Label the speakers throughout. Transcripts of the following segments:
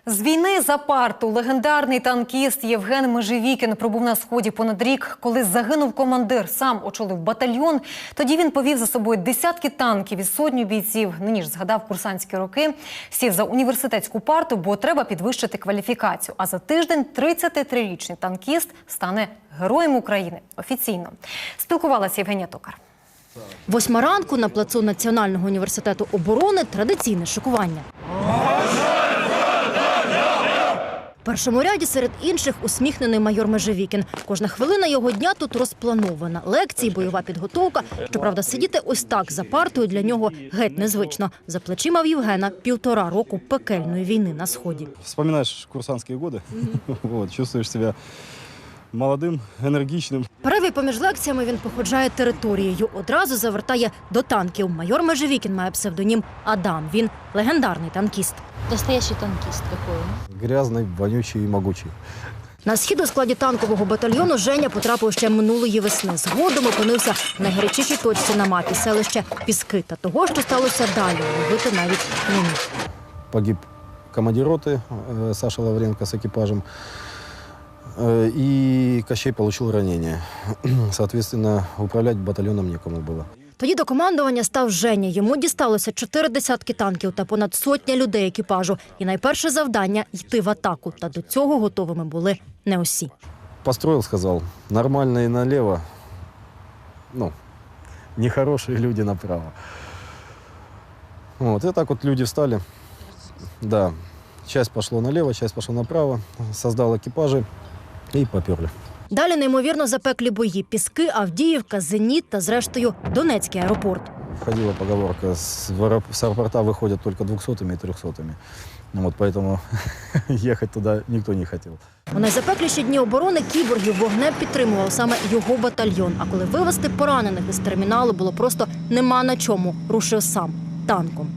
Speaker 1: З війни за парту легендарний танкіст Євген Межевікін пробув на Сході понад рік. Коли загинув командир, сам очолив батальйон. Тоді він повів за собою десятки танків і сотню бійців. Нині ж згадав курсантські роки. Сів за університетську парту, бо треба підвищити кваліфікацію. А за тиждень 33-річний танкіст стане Героєм України. Офіційно. Спілкувалася Євгенія Токар.
Speaker 2: 8 ранку на плацу Національного університету оборони традиційне шикування. В першому ряді серед інших усміхнений майор Межевікін. Кожна хвилина його дня тут розпланована. Лекції, бойова підготовка. Щоправда, сидіти ось так за партою для нього геть незвично. За плечима в Євгена 1,5 року пекельної війни на Сході.
Speaker 3: Вспоминаєш курсантські роки, чувствуєш себе молодим, енергічним.
Speaker 2: Перерві поміж лекціями він походжає територією. Одразу завертає до танків. Майор Межевікін має псевдонім Адам. Він легендарний танкіст.
Speaker 4: Настоящий танкист какой?
Speaker 3: Грязний, вонючий і могучий.
Speaker 2: На схід у складі танкового батальйону Женя потрапив ще минулої весни. Згодом опинився в найгарячішій точці на мапі – селище Піски. Та того, що сталося далі, уявити навіть не міг.
Speaker 3: Погиб командир роти Саша Лавренко з екіпажем. И Кощей получил ранение. Соответственно, управлять батальоном некому было.
Speaker 2: Тоді до командування став Женя. Йому дісталося 4 десятки танків та понад 100 людей екіпажу. І найперше завдання – йти в атаку. Та до цього готовими були не усі.
Speaker 3: Построил, сказал, нормальные налево, нехорошие люди направо. Вот, и так вот люди встали. Да, часть пошла налево, часть пошла направо. Создал экипажи и поперли.
Speaker 2: Далі неймовірно запеклі бої. Піски, Авдіївка, Зеніт та, зрештою, Донецький аеропорт.
Speaker 3: Ходила поговорка, с аэропорта выходят только 200-ми и 300-ми. Вот поэтому ехать туда никто не хотел.
Speaker 2: У найзапекліші дні оборони кіборгів вогнем підтримував саме його батальйон. А коли вивезти поранених із терміналу було просто нема на чому, рушив сам танком.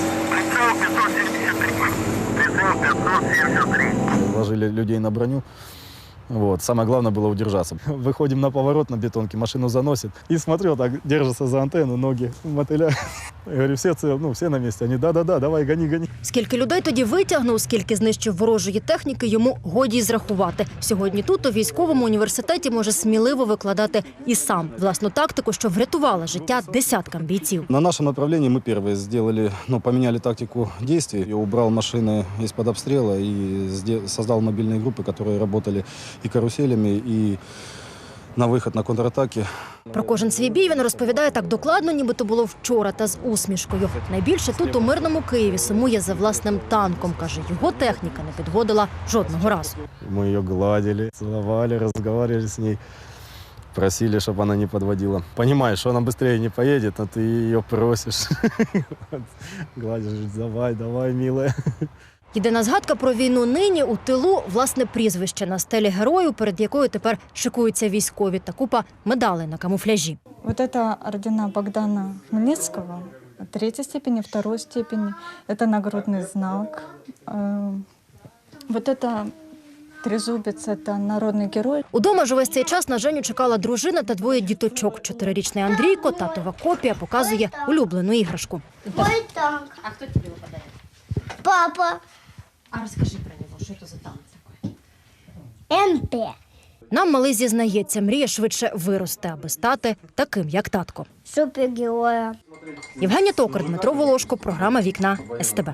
Speaker 3: Ложили людей на броню. Вот. Самое главное было удержаться. Выходим на поворот на бетонке, машину заносит. И смотрю, так держится за антенну, ноги мотыля. Я говорю, все на месте. Они, да-да-да, давай, гони.
Speaker 2: Скільки людей тоді витягнув, скільки знищив ворожої техніки, йому годі й зрахувати. Сьогодні тут, у військовому університеті, може сміливо викладати і сам власну тактику, що врятувала життя десяткам бійців.
Speaker 3: На нашем направлении мы первые сделали, поменяли тактику действий. Я убрал машины из-под обстрела и создал мобильные группы, которые работали и каруселями, и на вихід на контратаки.
Speaker 2: Про кожен свій бій він розповідає так докладно, ніби то було вчора, та з усмішкою. Найбільше тут, у мирному Києві, сумує за власним танком. Каже, його техніка не підводила жодного разу.
Speaker 3: Мы ее гладили, целовали, разговаривали с ней. Просили, чтобы она не подводила. Понимаешь, что она быстрее не поедет, а ты ее просишь. Гладишь, давай, милая.
Speaker 2: Єдина згадка про війну нині у тилу – власне прізвище на стелі герою, перед якою тепер шикуються військові, та купа медалей на камуфляжі.
Speaker 5: Вот это ордена Богдана Хмельницкого, 3-й степени, 2-й степени. Это нагрудный знак. Вот это трезубец, это народный герой.
Speaker 2: Удома ж увесь цей час на Женю чекала дружина та 2 діточок. 4-річний Андрійко, татова копія, показує улюблену іграшку.
Speaker 6: Мой танк.
Speaker 4: А кто тебе его подарил?
Speaker 6: Папа.
Speaker 4: А расскажи про него, что это за танк такой?
Speaker 6: МП.
Speaker 2: Нам малий зізнається, мріє швидше вирости, аби стати таким, як татко.
Speaker 6: Супергероя.
Speaker 2: Євгенія Токар, Дмитро Волошко, програма «Вікна СТБ».